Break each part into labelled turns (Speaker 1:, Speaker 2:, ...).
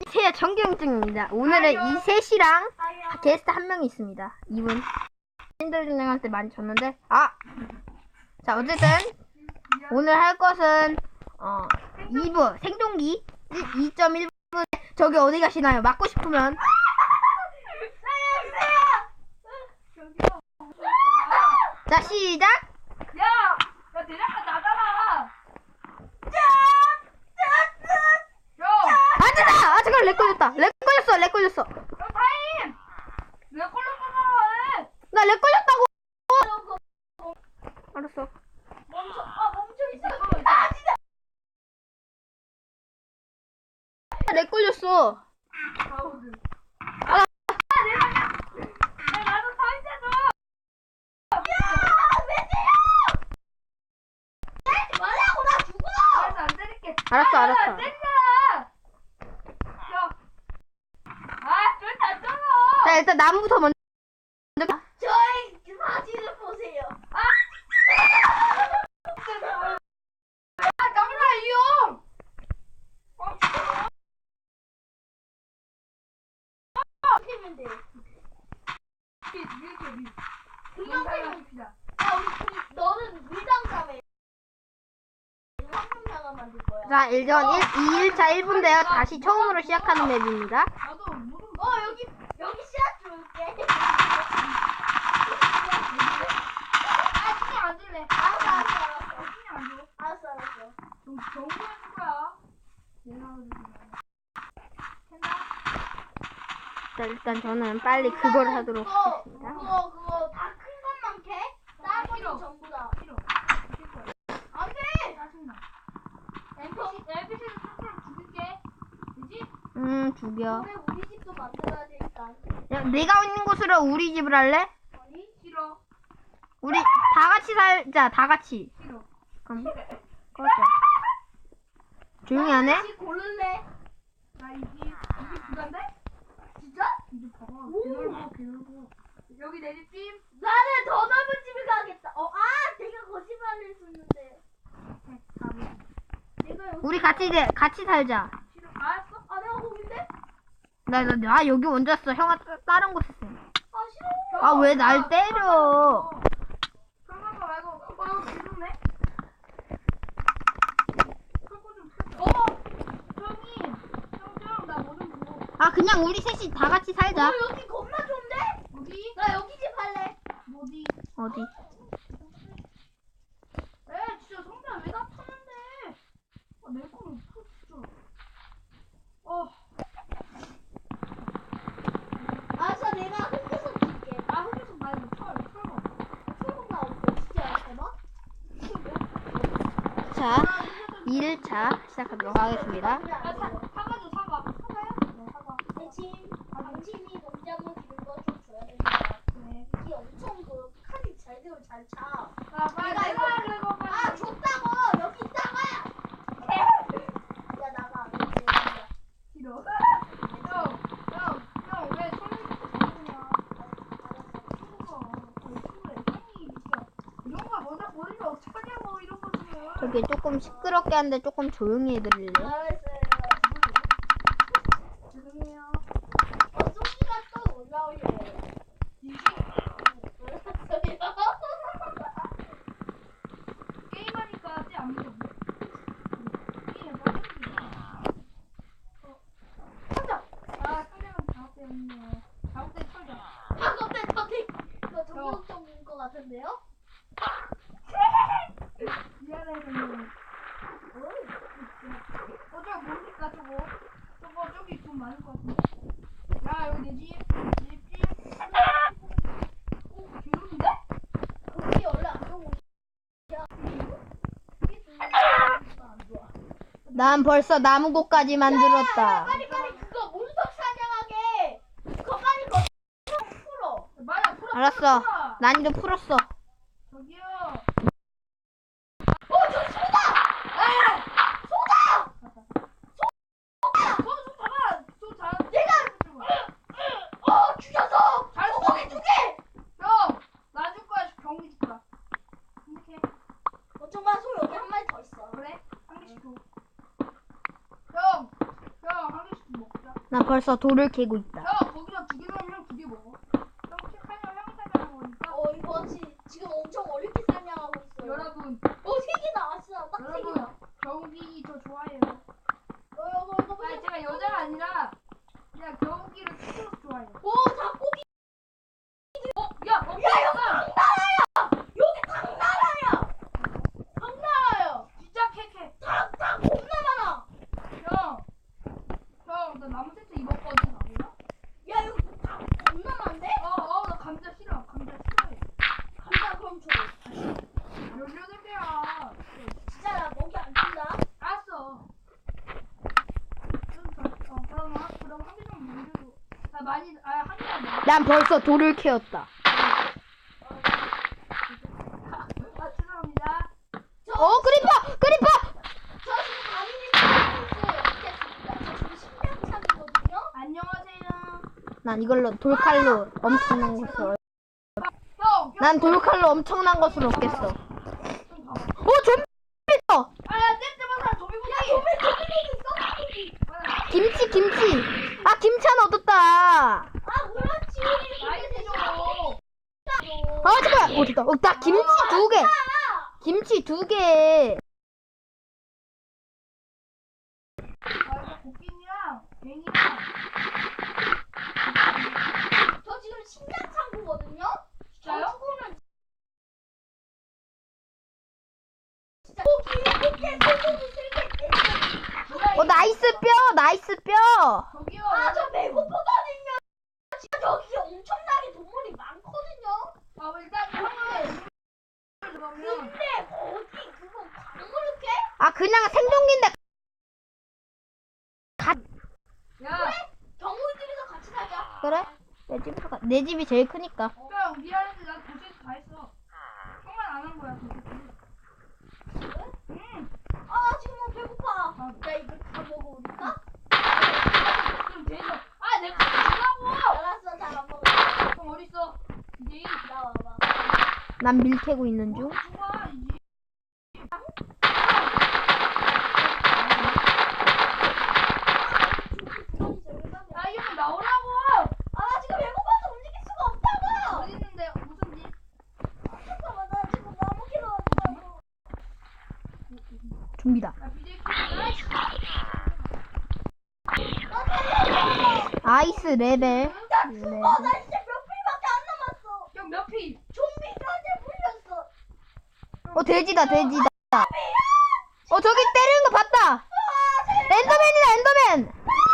Speaker 1: 안녕하세요, 정경증입니다. 오늘은 이 셋이랑 게스트 한 명이 있습니다. 이분 신들진행한테 많이 줬는데 자 어쨌든 오늘 할 것은 2부 생존기 2.1분. 저기 어디 가시나요? 맞고 싶으면 자 시작.
Speaker 2: 야 대장간 나가라.
Speaker 1: 잠깐 렉 걸렸다. 렉 걸렸어.
Speaker 2: 타임. 왜 콜록콜록 해?
Speaker 1: 나 렉 걸렸다고. 알았어.
Speaker 2: 멈춰 있어.
Speaker 1: 렉 걸렸어.
Speaker 2: 가우드. 나도 타임 줘.
Speaker 3: 말라고 나 죽어!
Speaker 2: 안 때릴게.
Speaker 1: 알았어.
Speaker 2: 안 때린다. 절대 안 때려.
Speaker 1: 자 일단 나무부터 먼저.
Speaker 3: 저의 그 사진을 보세요.
Speaker 2: 정말 이용.
Speaker 3: 피면 돼.
Speaker 2: 금방
Speaker 3: 피면
Speaker 2: 피자.
Speaker 3: 야, 너는 물당감에 황금사가 만들 거야.
Speaker 1: 자 2일차 1분대요. 다시 처음으로 시작하는 맵입니다.
Speaker 2: 나도 모든
Speaker 3: 여기 씨앗 줄게.
Speaker 2: 신경 안 줄래.
Speaker 3: 알았어.
Speaker 2: 신경 안 줘.
Speaker 3: 알았어.
Speaker 2: 정리해줄 거야.
Speaker 1: 자 일단 저는 빨리 그걸 하도록 하겠습니다.
Speaker 3: 그거 다 큰 것만 캐? 다른 거는
Speaker 2: 싫어.
Speaker 3: 전부 다.
Speaker 2: 싫어.
Speaker 3: 안 돼!
Speaker 2: 짜증나. NPC를 스스로 죽일게. 되지?
Speaker 1: 죽여.
Speaker 3: 그래, 우리 집도 만들어야 되니까.
Speaker 1: 야, 내가 있는 곳으로 우리 집을 할래?
Speaker 3: 아니?
Speaker 2: 싫어.
Speaker 1: 우리 다 같이 살자. 다 같이.
Speaker 2: 싫어.
Speaker 1: 그럼 꺼져. 조용히 안 해?
Speaker 3: 다시 고를래?
Speaker 2: 나 이게 부담돼?
Speaker 3: 진짜?
Speaker 2: 이제 봐봐.
Speaker 3: 오.
Speaker 2: 개넓어. 여기 내 집집.
Speaker 3: 나는 더 넓은 집에 가겠다. 내가 거짓말을 했었는데. 내가 여기.
Speaker 1: 우리 같이 살자.
Speaker 2: 싫어. 알았어?
Speaker 3: 내가 거긴데?
Speaker 1: 나 여기 먼저 왔어. 형아 다른 곳에 있어.
Speaker 3: 싫어.
Speaker 1: 왜 날 때려?
Speaker 2: 그런 거 말고 이거 비좁네? 그거 좀 형님 나 뭐 좀 줘.
Speaker 1: 그냥 우리 셋이 다 같이 살자.
Speaker 3: 여기 겁나 좋은데?
Speaker 2: 어디?
Speaker 3: 나 여기 집 할래.
Speaker 2: 어디?
Speaker 1: 어디?
Speaker 2: 진짜 성대야 왜 다 파는데? 내 거는 파 진짜.
Speaker 3: 알았어, 내가 흑구석 줄게.
Speaker 2: 흑유석 말고 철거.
Speaker 3: 철거가 없어. 진짜 대박.
Speaker 1: 자 2일차 시작하도록 하겠습니다.
Speaker 2: 사과 줘 사과. 사과야? 네 사과.
Speaker 3: 대신 당신이 농장을 기른 거좀 줘야 됩니다.
Speaker 2: 네.
Speaker 3: 이게 엄청 그 칸이 잘 되고 잘 차.
Speaker 2: 빨리
Speaker 3: 내가
Speaker 2: 내가 그거
Speaker 3: 줬다고! 여기 있다가! 야, 나가.
Speaker 2: 싫어. 형왜 손을 잡느냐? 이런 거 먼저 보내면 어떡하냐고 이런 거 지금.
Speaker 1: 저기 조금 시끄럽게 하는데 조금 조용히 해드릴래?
Speaker 3: 알았어요.
Speaker 2: 죄송해요.
Speaker 3: 송이가 또 올라오려고.
Speaker 2: 게임하니까 쟤안 믿어. 게임해봐. 상대방 잘못됐네. 잘못된 털자.
Speaker 3: 이거 정상적인 것 같은데요?
Speaker 2: 미안해 근데. 저거 뭡니까 저거? 저기 돈 많을 것 같은데. 야 여기 내 집. 귀여운데?
Speaker 3: 거기 원래 안 좋은 곳이야. 이게 좀 안 좋아.
Speaker 1: 난 벌써 나무곡까지 만들었다.
Speaker 3: 빨리 그거 문석 사냥하게. 그거 빨리 풀어.
Speaker 2: 맞아 풀어.
Speaker 1: 알았어. 난이도 풀었어.
Speaker 2: 저기요.
Speaker 3: 저 소다! 소다!
Speaker 2: 손 잡아. 손 잘.
Speaker 3: 내가 죽였어!
Speaker 2: 잘
Speaker 3: 소고기 두 개!
Speaker 2: 형, 나 줄 거야. 경비 줄 거야. 이렇게.
Speaker 3: 정말 소 여기 한 마리 더 있어.
Speaker 2: 그래? 한 개씩 줘. 형, 한 개씩 먹자.
Speaker 1: 난 벌써 돌을 캐고 있다.
Speaker 2: 형 거기서 2개 넣으면 형 2개 먹어. 형 책 하면 형 사면 먹으니까.
Speaker 3: 이거 지금 엄청 어렵게 설명하고 있어요.
Speaker 2: 여러분,
Speaker 3: 3개 나왔어. 딱 3개
Speaker 2: 여러분
Speaker 3: 나.
Speaker 2: 겨우기 저 좋아해요.
Speaker 3: 이거
Speaker 2: 아니 제가 여자가 아니라 그냥 겨우기를 스스로 좋아해요.
Speaker 3: 오, 닭고기.
Speaker 2: 야,
Speaker 3: 야, 여기 당나라야. 당나라야.
Speaker 2: 진짜 캐캐.
Speaker 3: 닭 겁나 많아.
Speaker 2: 형, 나 나무 세트 입었거든, 나 몰라?
Speaker 3: 야, 여기 닭 겁나 많은데?
Speaker 2: 나 감자 싫어. 감자 싫어해.
Speaker 3: 감자 그럼 줘.
Speaker 2: 18개야.
Speaker 3: 진짜 나 먹이 안 준다.
Speaker 2: 알았어. 그럼 한 개 좀 물려줘. 한 개만 먹어.
Speaker 1: 난 벌써 돌을 캐었다.
Speaker 2: 죄송합니다.
Speaker 1: 크리퍼!
Speaker 3: 저 지금 가민이 있어요. 저 지금 심장창이거든요.
Speaker 2: 안녕하세요.
Speaker 1: 난 이걸로 돌칼로 엄청난 것을
Speaker 2: 형,
Speaker 1: 난 돌칼로 엄청난 것을 얻겠어.
Speaker 2: 좀 봐봐.
Speaker 1: 좀비 있어.
Speaker 2: 야, 떼때마다 조미구이.
Speaker 1: 김치. 김치 하나 얻었다.
Speaker 3: 아, 그렇지.
Speaker 2: 나이스 줘.
Speaker 1: 잠깐만. 됐다. 나 김치 2개. 김치 2개.
Speaker 2: 이거 고기랑 뱅이랑.
Speaker 3: 저 지금 심장창이거든요.
Speaker 2: 진짜요?
Speaker 3: 죽으면 진짜 고기 소고기 쓸게.
Speaker 1: 나이스 뼈.
Speaker 2: 저기요.
Speaker 3: 저 배고프거든요. 진짜 여기 엄청나게 동물이 많거든요.
Speaker 2: 일단 형은 그러면
Speaker 3: 근데 거기 그거 광물을 깨?
Speaker 1: 그냥 생존기인데.
Speaker 2: 야,
Speaker 3: 동물들이서 같이 살자.
Speaker 1: 그래? 내 집이 제일 크니까.
Speaker 2: 형 미안한데 나 도시에서 다 했어. 형만 안 한 거야 도시에서. 응.
Speaker 3: 지금 너무 배고파. 야, 이거 다 먹어볼까?
Speaker 2: 그럼 돼서. 내가 주라고.
Speaker 3: 알았어, 잘 안 먹어.
Speaker 2: 형 어디 있어? 이제
Speaker 3: 나와봐.
Speaker 1: 난 밀 캐고 있는 중.
Speaker 2: 좋아 이제. 야 이거 나오라고.
Speaker 3: 나 지금 배고파서 움직일 수가 없다고.
Speaker 2: 어디 있는데 무슨 집?
Speaker 3: 잠깐만, 나 지금 나무 캐러 왔다고.
Speaker 1: 좀비다.
Speaker 2: 야 BJ
Speaker 1: 아이스 레벨.
Speaker 3: 나 죽어. 나 진짜 몇 풀밖에 안 남았어.
Speaker 2: 형몇 피?
Speaker 3: 좀비한테 물렸어.
Speaker 1: 돼지다. 저기 때리는 거 봤다. 엔더맨이다, 엔더맨.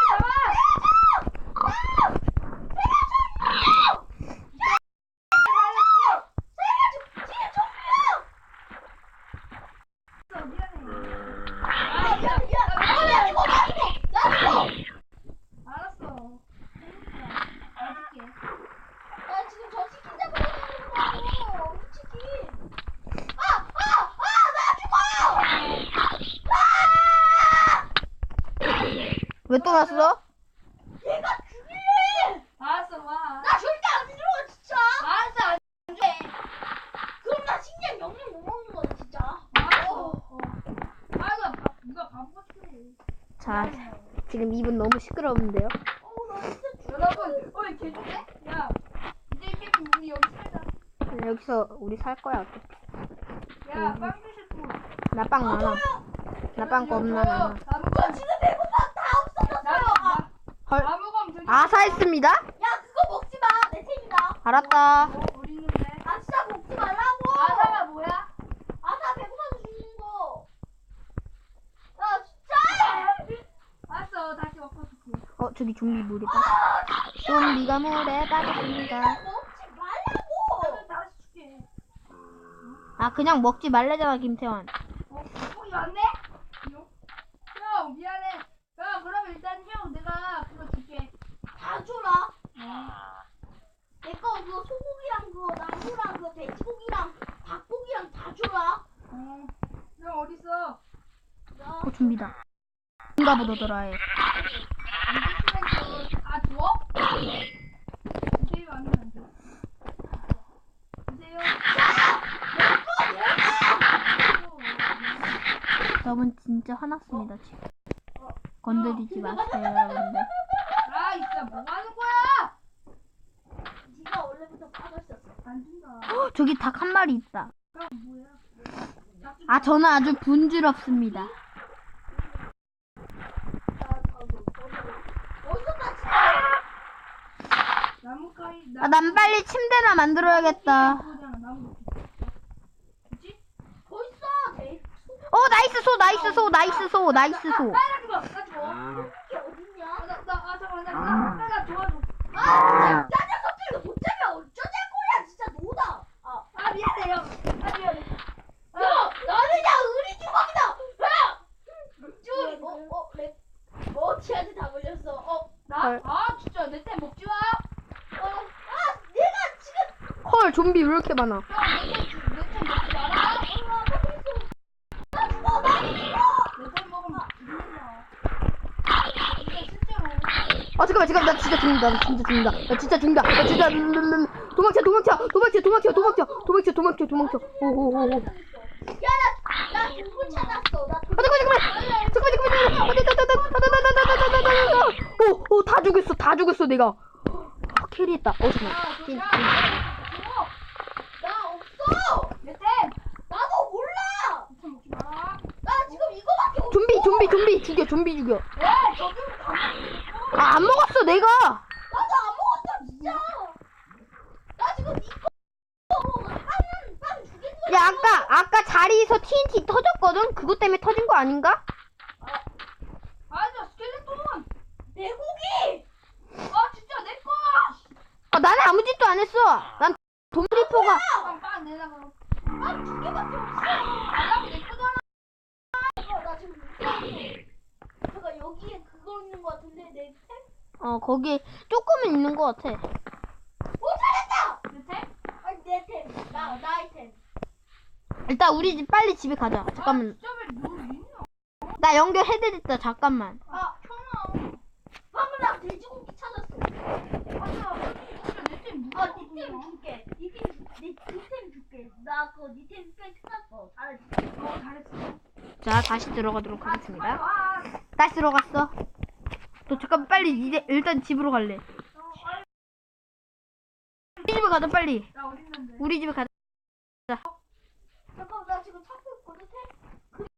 Speaker 2: 알았어. 알았게.
Speaker 3: 나 지금 저 치킨 잡으러 다니는 치킨.
Speaker 1: 왜 또 났어?
Speaker 3: 얘가 죽일래.
Speaker 2: 알았어 와.
Speaker 3: 나 절대 안 죽어, 진짜.
Speaker 2: 알았어.
Speaker 3: 안 돼. 그럼 나 식량 영양 못 먹는 거야, 진짜.
Speaker 2: 알았어. 누가 바보같이 그래.
Speaker 1: 자, 지금 입은 너무 시끄러운데요.
Speaker 3: 나 진짜 죽.
Speaker 2: 여러분, 개좋네? 야, 이제 게임 우리 여기 살자.
Speaker 1: 여기서 우리 살 거야. 어차피.
Speaker 2: 야, 빵 주실 분.
Speaker 1: 나 빵 많아. 나 빵 겁나 많아.
Speaker 3: 저 지금 배고파. 다 없어졌어요.
Speaker 1: 헐.
Speaker 2: 나무검 저기.
Speaker 1: 아사했습니다.
Speaker 3: 야, 그거 먹지 마. 내 책임이다.
Speaker 1: 알았다.
Speaker 2: 어디 있는데?
Speaker 3: 진짜 먹지 말라고.
Speaker 2: 아사가 뭐야?
Speaker 3: 나 배고파서 죽는 거. 야, 진짜.
Speaker 2: 알았어, 다시 먹고 줄게.
Speaker 1: 저기 좀비 물에 빠. 좀비가 물에 빠졌습니다.
Speaker 3: 먹지 말라고.
Speaker 2: 다시 줄게.
Speaker 1: 그냥 먹지 말래잖아, 김태환.
Speaker 2: 거기 왔네? 형, 미안해. 야, 그럼 일단 형, 내가 그거 줄게.
Speaker 3: 다 줘라. 내 거 그거 소고기랑 그거 나무랑 그거 돼지고기랑 닭고기랑 다 줘라.
Speaker 2: 형 어딨어?
Speaker 1: 좀비다. 인가 보더라 해.
Speaker 2: 아, 줘? 이제 아니면 안 줘. 주세요.
Speaker 1: 여러분 진짜 화났습니다 지금. 건드리지 마세요 여러분들. 저기 닭 한 마리 있다.
Speaker 2: 형 뭐야?
Speaker 1: 아, 저는 아주 분주럽습니다.
Speaker 3: 어디서 나 진짜
Speaker 2: 나뭇가지.
Speaker 1: 아, 난 빨리 침대나 만들어야겠다.
Speaker 2: 나무. 그치?
Speaker 3: 벌써 돼.
Speaker 1: 나이스 소, 나이스 소, 나이스 소, 나이스 소.
Speaker 2: 나 죽어. 나 죽어.
Speaker 3: 이게 어딨냐?
Speaker 2: 잠깐만. 나 도와줘.
Speaker 3: 아, 진짜 녀석들 이거 못 잡아. 어쩌자는 거야, 진짜 노다.
Speaker 2: 미안해 형. 미안해.
Speaker 3: 너는 그냥 의리 주먹이다. 쟤한테 다 걸렸어.
Speaker 2: 나? 진짜 내 템 먹지 마.
Speaker 3: 내가 지금
Speaker 1: 헐, 좀비 왜 이렇게 많아?
Speaker 2: 내템 먹지 마라. 내 템 먹으면 죽는다. 진짜 실제로.
Speaker 1: 잠깐만, 나 진짜 죽는다. 나 진짜 죽는다. 나 진짜 죽는다. 나 진짜 도망쳐. 오오오오.
Speaker 3: 나 동굴 찾았어.
Speaker 1: 오, 다 죽였어, 내가. 캐리했다. 잠깐만.
Speaker 3: 나 없어.
Speaker 2: 내 템.
Speaker 3: 나도 몰라.
Speaker 2: 템 먹지 마라.
Speaker 3: 나 지금 이거밖에 없어.
Speaker 1: 좀비 죽여.
Speaker 2: 왜? 저기
Speaker 1: 안 먹었어, 내가.
Speaker 3: 나도 안 먹었어, 진짜. 나 지금 이거 빵 죽인 거야.
Speaker 1: 야, 아까 자리에서 TNT 터졌거든? 그것 때문에 터진 거 아닌가?
Speaker 2: 저 스켈레톤.
Speaker 3: 내 고기.
Speaker 2: 진짜 내 거.
Speaker 1: 나는 아무 짓도 안 했어. 난 돔리포가.
Speaker 2: 빵 내놔.
Speaker 3: 두 개밖에 없어.
Speaker 2: 내 거잖아.
Speaker 3: 나 지금 못 찾았어. 잠깐 여기에 그거 있는 거 같은데 내 템?
Speaker 1: 거기에 조금은 있는 거 같아.
Speaker 3: 찾았다.
Speaker 2: 내 템?
Speaker 3: 아니 내 템. 나의 템.
Speaker 1: 일단 우리 집 빨리 집에 가자. 잠깐만.
Speaker 2: 진짜 왜너 있냐?
Speaker 1: 나 연결해드렸다. 잠깐만.
Speaker 2: 형아.
Speaker 3: 방금 나 돼지고기 찾았어.
Speaker 2: 진짜 내템 누가
Speaker 3: 네 템 줄게. 니템 줄게. 나 그거 니템 꽤 찾았어. 잘했어.
Speaker 2: 잘했어.
Speaker 1: 자, 다시 들어가도록 하겠습니다.
Speaker 2: 와.
Speaker 1: 다시 들어갔어. 너 잠깐 빨리 일단 집으로 갈래. 우리 집에 가자, 빨리.
Speaker 2: 나 어디 있는데?
Speaker 1: 우리 집에 가자.
Speaker 3: 잠깐 나 지금 찾고 있거든 템.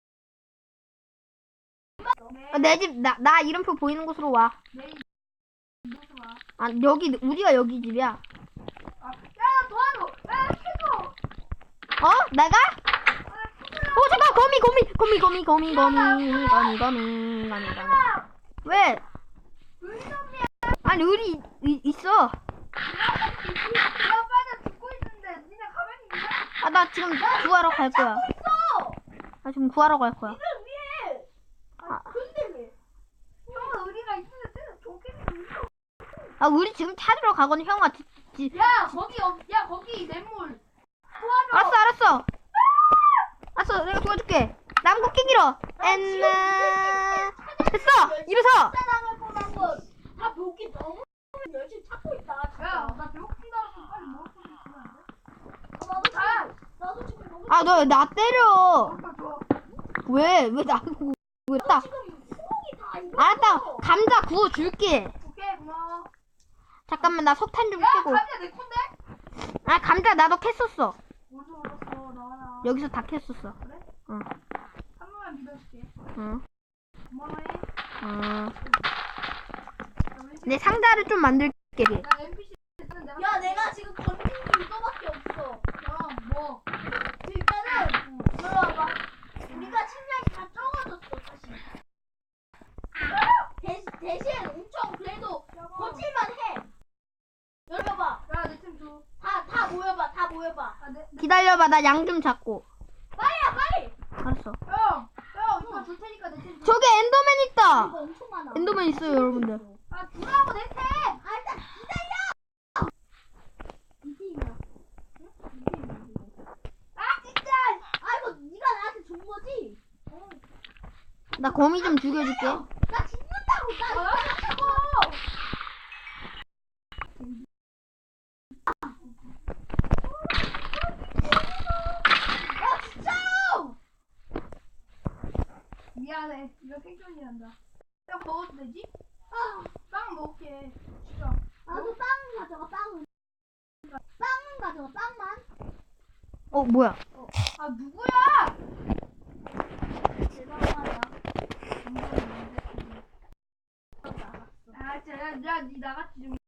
Speaker 1: 내 집, 나 이름표 보이는 곳으로 와.
Speaker 2: 내 이모습 와.
Speaker 1: 여기, 우리가 여기 집이야.
Speaker 2: 야 도와줘. 야 캐줘.
Speaker 1: 내가? 잠깐, 거미. 왜?
Speaker 2: 의점이야.
Speaker 1: 아니, 의리 있어.
Speaker 2: 야 빨리 죽고 있는데 니네 가만히 있냐?
Speaker 1: 나 지금 구하러 갈 거야. 나 지금 구하러 갈 거야.
Speaker 3: 이걸 위해. 근데 왜?
Speaker 2: 형아 의리가 있는데 도깨비.
Speaker 1: 우리 지금 찾으러 가거든, 형아.
Speaker 2: 야 거기 냇물. 도와줘.
Speaker 1: 알았어. 내가 도와줄게. 나무 끼기로. 됐어. 일어서.
Speaker 3: 나갈 뻔한 건다 목이 너무 열심히 찾고 있다. 진짜.
Speaker 2: 야나 배고픈다고 빨리 먹을 거 있으면 안 돼?
Speaker 3: 나도 지금 너무
Speaker 1: 너 나 때려.
Speaker 2: 좋아.
Speaker 1: 왜 나보고 왜다?
Speaker 3: 지금 소고기 다 익었어.
Speaker 1: 알았다. 감자 구워 줄게.
Speaker 2: 오케이 고마워.
Speaker 1: 잠깐만, 나 석탄 좀
Speaker 2: 야
Speaker 1: 캐고.
Speaker 2: 감자 내 건데?
Speaker 1: 감자 나도 캤었어.
Speaker 2: 어디서 얻었어 나와라.
Speaker 1: 여기서 다 캤었어.
Speaker 2: 그래?
Speaker 1: 응.
Speaker 2: 한 번만 믿어줄게.
Speaker 1: 응.
Speaker 2: 고마워해.
Speaker 1: 내 상자를 좀 만들게.
Speaker 2: 나 NPC 는
Speaker 3: 야 내가 지금 건진 게 이거밖에 없어.
Speaker 2: 뭐?
Speaker 3: 일단은 들어와봐. 우리가 식량이 다 적어졌어 사실. 대신 엄청 그래도 버틸만 해. 열어봐.
Speaker 2: 야내템 줘.
Speaker 3: 다 모여봐.
Speaker 1: 기다려봐, 나 양 좀 잡고.
Speaker 3: 빨리.
Speaker 1: 알았어.
Speaker 2: 형 이거 줄 테니까 내템 줘.
Speaker 1: 저기 엔더맨 있다.
Speaker 3: 이거 엄청 많아.
Speaker 1: 엔더맨 있어요, 여러분들.
Speaker 2: 주라고 내 템.
Speaker 3: 일단 기다려. 이 팀이야. 진짜. 이거 네가 나한테 준 거지?
Speaker 1: 나 거미 좀 죽여줄게.
Speaker 3: 나 죽는다고.
Speaker 2: 나 죽어.
Speaker 3: 진짜.
Speaker 2: 미안해. 이거 생존이란다. 야 먹어도 되지? 빵 먹을게. 진짜.
Speaker 3: 나도 빵 가져가. 빵은 가져와. 빵만.
Speaker 1: 뭐야?
Speaker 2: 아 누구야?
Speaker 3: 대단하다.
Speaker 2: 아 진짜 야니 나같이 좀.